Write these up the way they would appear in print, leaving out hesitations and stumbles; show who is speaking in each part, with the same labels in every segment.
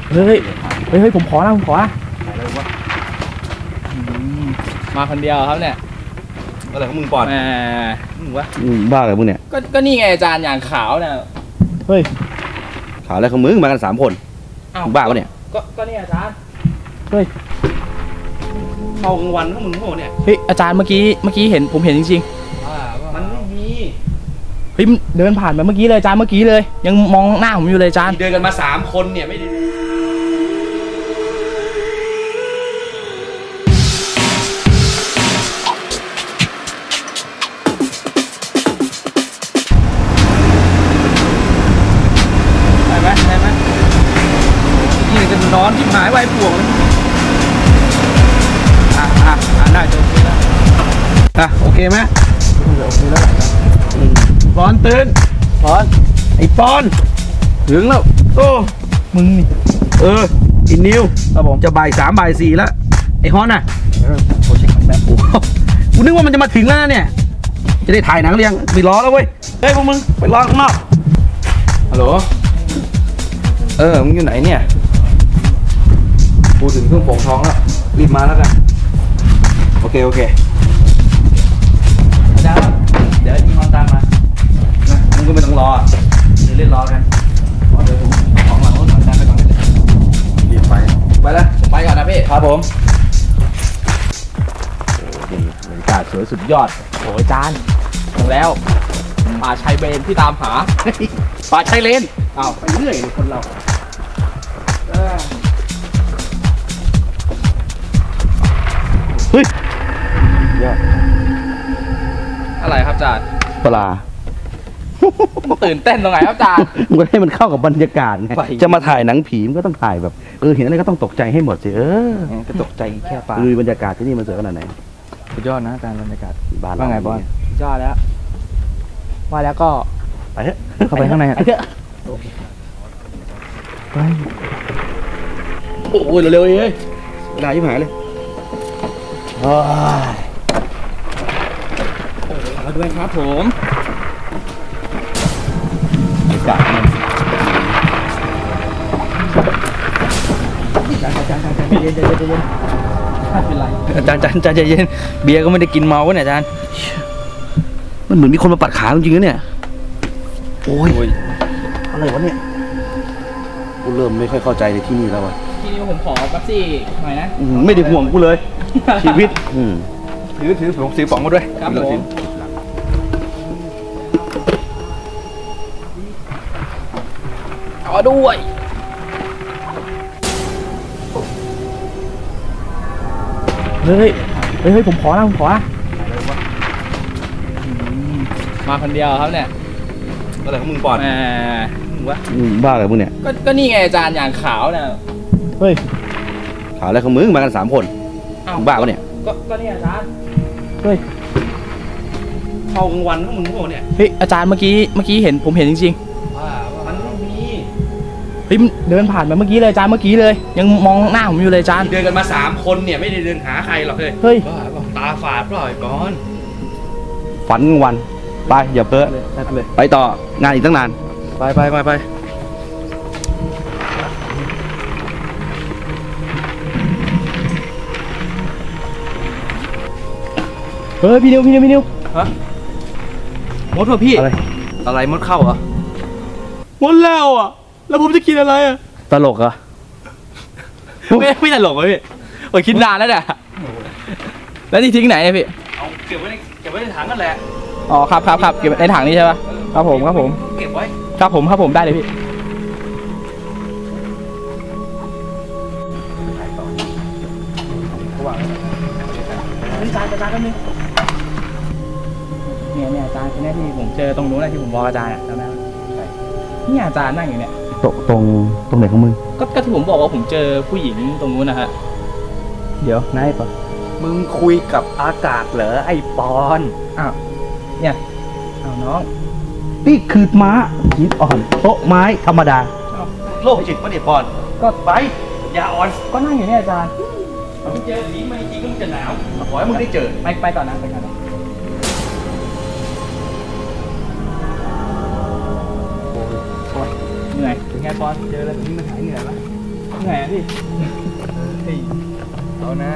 Speaker 1: เฮ้ยผมขอนะมาคนเดียวครับเนี่ย
Speaker 2: อะไรของมึงปอนมึงวะบ้าอะไรมึงเนี่ย
Speaker 1: ก็นี่ไงอาจารย์อย่างขาวเนี่ย
Speaker 2: เฮ้ยขาวอะไรของมึงมากัน3 คนบ้าปะเนี่ย
Speaker 1: ก็นี่อาจารย์เฮ้ย
Speaker 2: เข้ากลางวันของมึงโง่เนี่ย
Speaker 1: เฮ้ยอาจารย์เมื่อกี้ผมเห็นจริง
Speaker 2: ๆมันไม่มี
Speaker 1: เฮ้ยเดินผ่านมาเมื่อกี้เลยอาจารย์เมื่อกี้เลยยังมองหน้าผมอยู่เลยอาจารย์
Speaker 2: เดินกันมา3 คนเนี่ยไม่ได้นอนที่หายไว้ปวกเลยได้จบแล้วโอเคไหมโอเคแล้วปอนตื่นปอนไอ้ปอนถึงแล้วโอ้
Speaker 1: มึงนี่
Speaker 2: อินนิวครับผมจะบ่าย 3บ่าย 4แล้วไอ้ฮอนน่ะ
Speaker 1: โปรเจกต์แบบ
Speaker 2: กูนึกว่ามันจะมาถึงแล้วเนี่ยจะได้ถ่ายหนังเรียงไปรอแล้วเว้ยเฮ้ยพวกมึงไปรอข้างนอกฮัลโหลมึงอยู่ไหนเนี่ยกูถึงเครื่องปองท้องแล้วรีบมาแล้วกันโอเค
Speaker 1: อาจารย์เดี๋ยวมีคนตามมา
Speaker 2: นะมึงก็ไม่ต้องรอเดี๋ยวเล่นรอกันเดี๋ยวผมของหลังรถอาจารย์ไปก่อนเลยรีบไปแล้ว
Speaker 1: ผมไปก่อนนะพี่
Speaker 2: ครับผมโอ้ดีบรรยากาศสวยสุดยอด
Speaker 1: โอ้อาจารย์ถึงแล้วป่าชายเลนที่ตามหา
Speaker 2: ป่าชายเลนไปเรื่อยเลยคนเราเฮ้ย
Speaker 1: อะไรครับอาจารย์
Speaker 2: ปลา
Speaker 1: ตื่นเต้นตรงไหนครับอาจารย์
Speaker 2: มันให้มันเข้ากับบรรยากาศไงจะมาถ่ายหนังผีมันก็ต้องถ่ายแบบเห็นอะไรก็ต้องตกใจให้หมดสิ
Speaker 1: ก็ตกใจแค่ปลา
Speaker 2: ดูบรรยากาศที่นี่มันสวยขนาดไหน
Speaker 1: สุดยอดนะอาจารย์บรรยากาศ
Speaker 2: บ้าน
Speaker 1: ว่าไงบอลยอดแล้วว่าแล้วก็
Speaker 2: ไปเถอะ
Speaker 1: เข้าไปข้างใน
Speaker 2: ไปโอ้ยเร็วๆเลยเวลายิ่งหายเลย
Speaker 1: มาด้วยครับผม
Speaker 2: จัดมัน
Speaker 1: อาจารย์เย็นไม่เป็นไร
Speaker 2: อาจารย์ใจเย็นเบียร์ก็ไม่ได้กินเมาวะเนี่ยอาจารย์มันเหมือนมีคนมาปัดขาจริงๆนะเนี่ยโอ้ยอะไรวะเนี่ยกูเริ่มไม่ค่อยเข้าใจในที่นี่แล้ววะ
Speaker 1: ที่นี่ผมขอแป๊บซี่หน่อยนะ
Speaker 2: ไม่ได้ห่วงกูเลยชีวิตถือผมซื้อป๋องมาด้วย
Speaker 1: ครับผมเอาด้วยเฮ้ยผมขอมาคนเดียวครับเนี่ย
Speaker 2: อะไรของมึงปอน
Speaker 1: มึงวะ
Speaker 2: บ้าอะไรมึงเนี่ย
Speaker 1: ก็นี่ไงอาจารย์อย่างขาวเนี่ย
Speaker 2: เฮ้ยขาวอะไรของมึงมากัน3 คนบ้าปะเนี่ย
Speaker 1: ก็นี่อาจารย์
Speaker 2: เฮ้ยเข้ากลางวันของมึงโง่เนี่ย
Speaker 1: เฮ้ยอาจารย์เมื่อกี้ผมเห็นจริงๆ
Speaker 2: มันไม่มี
Speaker 1: เฮ้ยเดินผ่านมาเมื่อกี้เลยอาจารย์เมื่อกี้เลยยังมองหน้าผมอยู่เลยอาจารย์
Speaker 2: เดินกันมา3 คนเนี่ยไม่ได้เดินหาใครหรอก
Speaker 1: เฮ้ย
Speaker 2: ตาฝาดปล่อยก่อนฝันวันไปอย่าเพ้อไปต่องานอีกตั้งนานไป
Speaker 1: เฮ้ยพี่นิว
Speaker 2: ฮะ
Speaker 1: มดว่ะพี่
Speaker 2: อะไรมดเข้าเหรอ
Speaker 1: มดแล้วอ่ะแล้วผมจะกินอะไรอ่ะ
Speaker 2: ตลกเหรอ
Speaker 1: ไม่ตลกเลยพี่ผมคิดนานแล้วเนี่ยแล้วนี่ทิ้งไหนเนี่ยพี่
Speaker 2: เอาเก็บไว้ในถังนั่นแหละ
Speaker 1: อ๋อครับเก็บในถังนี้ใช่ป่ะครับผม
Speaker 2: เก็บไว้
Speaker 1: ครับผมได้เลยพี่อาจารย์แป๊บนึงเนี่ยอาจารย์คนนี้ที่ผมเจอตรงนู้นที่ผมบอกอาจารย์จำได้ไหมนี่อาจารย์นั่งอยู่เนี่ย
Speaker 2: ตรงไหนของมึง
Speaker 1: ก็ที่ผมบอกว่าผมเจอผู้หญิงตรงนู้นนะฮะ
Speaker 2: เดี๋ยวนายปะมึงคุยกับอากาศเหรอไอ้ปอน
Speaker 1: เนี่ยน้อง
Speaker 2: นี่คือม้าหินอ่อนโต๊ะไม้ธรรมดาโลกจิตมันเนี่ยปอนก็ไปอย่าอ่อน
Speaker 1: ก็นั่งอยู่เนี่ยอาจารย์
Speaker 2: ไม่เจอผีมาจริงๆก็มันจะหนาวขอให้มึงได้เจอ
Speaker 1: ไปก่อนนะเหนื่อยเป็นไงปอนเจอแล้วแบบนี้มันหายเหนื่อยไหมไงพี่
Speaker 2: เอาหน้า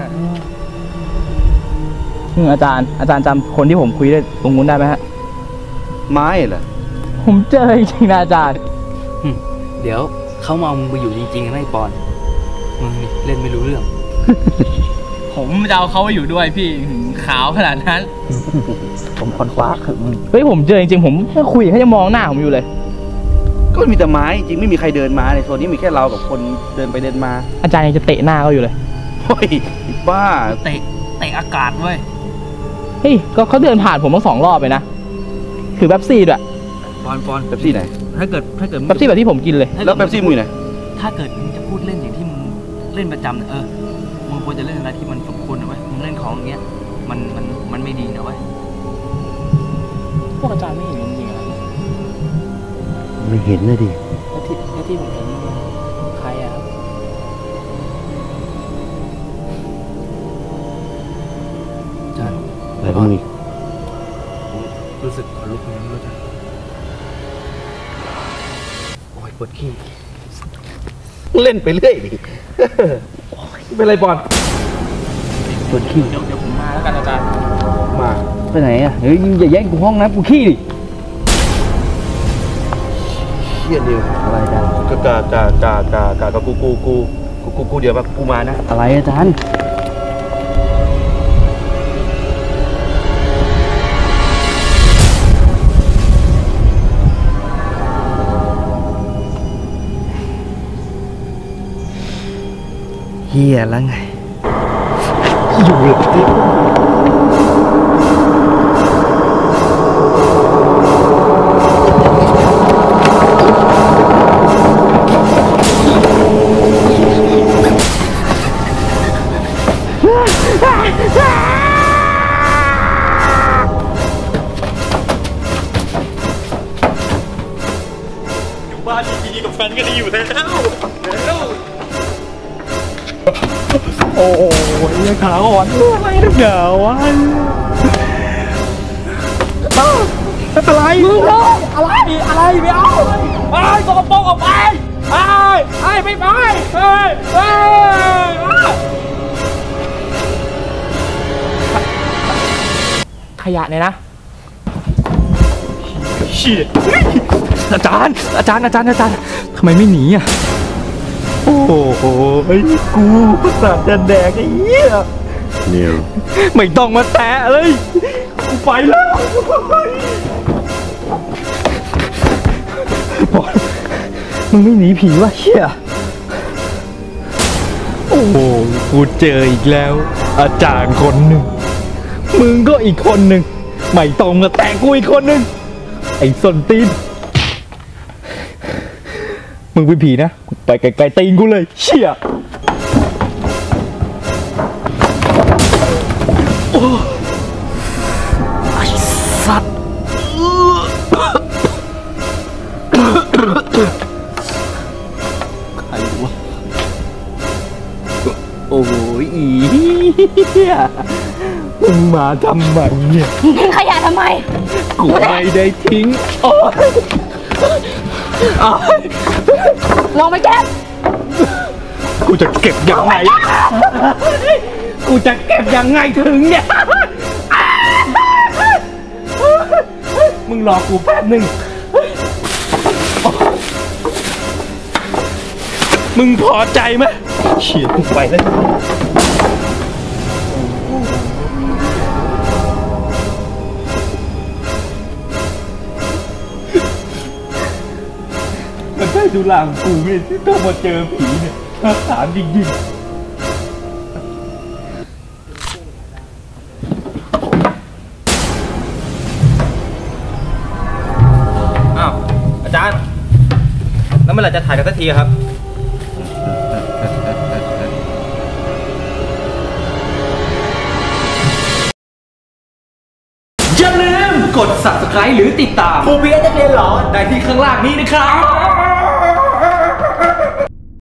Speaker 1: อาจารย์จำคนที่ผมคุยได้ตรงนู้นได้ไหมฮะ
Speaker 2: ไม้เหรอ
Speaker 1: ผมเจอจริงๆนะอาจารย์
Speaker 2: เดี๋ยวเขามาเอามึงไปอยู่จริงๆนะไอ้ปอนมึงนี่เล่นไม่รู้เรื่อง
Speaker 1: ผมจะเอาเขาไปอยู่ด้วยพี่ขาวขนาดนั้น
Speaker 2: ผมคอนคว้าคือมึง
Speaker 1: เฮ้ยผมเจอจริงๆผมคุยเขาจะมองหน้าผมอยู่เลย
Speaker 2: ก็มีแต่ไม้จริงไม่มีใครเดินมาในโซนนี้มีแค่เรากับคนเดินไปเดินมา
Speaker 1: อาจารย์ยังจะเตะหน้าเขาอยู่เลย
Speaker 2: เฮ้ยบ้า
Speaker 1: เตะอากาศเว้ยเฮ้ยก็เขาเดินผ่านผมมา2 รอบไปนะคือแป๊บซี่ด้วย
Speaker 2: ปอนแป๊บซี่ไหน
Speaker 1: ถ้าเกิดแป๊บซี่แบบที่ผมกินเลย
Speaker 2: แล้วแป๊บซี่มึงไหน
Speaker 1: ถ้าเกิดมึงจะพูดเล่นอย่างที่มึงเล่นประจำมึงควรจะเล่นอะไรที่มันสมควรนะเว้ยมึงเล่นของอย่างเงี้ยมันไม่ดีนะเว้ยพวกอาจารย์ไม่เห็นจริงๆนะ
Speaker 2: ไม่เห็นเลยดิ
Speaker 1: แล้วที่ผมเห็นใครอะ
Speaker 2: อาจารย์อะไรบ้างนี่รู้สึกขนลุกเลยรู้จักโอ้ยปวดขี้เล่นไปเรื่อยดิเป็นไรบอลปวดขี้
Speaker 1: เดี๋ยวผมมาแล้วกันอาจารย์
Speaker 2: มาไปไหนอ่ะเฮ้ยอย่าแย่งกูห้องนะกูขี้ดิเฮียเดียวอะไรอาจารย์กกูเดี๋ยวแบบกูมานะอะไรอาจารย์เฮียแล้วไงอยู่หลังอยู่บ้านดีๆกับแฟนก็ดีอยู่แล้วโอ้ยขาอ่อนอะไรนักหนาวะอะไรมึงอะไรไม่เอาไอ้สกปรกออกไปไอ้ไม่ไป
Speaker 1: ขยะเนี่ยนะ
Speaker 2: เชี่ยอาจารย์ทำไมไม่หนีอ่ะโอ้โหไอ้กูสัตว์จะแดกไอ้เหี้ยเนี่ยไม่ต้องมาแตะเลยกูไปแล้วบอลมึงไม่หนีผีวะเหี้ยโอ้โหกูเจออีกแล้วอาจารย์คนหนึ่งมึงก็อีกคนหนึ่งไม่ต้องมาแตะกูอีกคนหนึ่งไอ้ส้นตีนมึงเป็นผีนะไปไกลๆตีนกูเลยเชี่ยโอ้ไอ้สัตว์ใครวะโอ้ยอีมึงมาทำไมเนี่ย
Speaker 3: ทิ้งขยะทำไม
Speaker 2: กูไม่ได้ทิ้ง
Speaker 3: ลงไปเก็บ
Speaker 2: กูจะเก็บยังไงถึงเนี่ยมึงรอกูแป๊บนึงมึงพอใจไหมเฉียดกูไปแล้วมันได้ดูหลังกูเนี่ยที่ต้องมาเจอผีเนี่ยถามจริงๆอ้าวอาจารย์แล้วเมื่อไหร่จะถ่ายกันสักทีครับอย่าลืมกด Subscribe หรือติดตามครูเบียร์นักเรียนหรอได้ที่ข้างล่างนี้นะครับ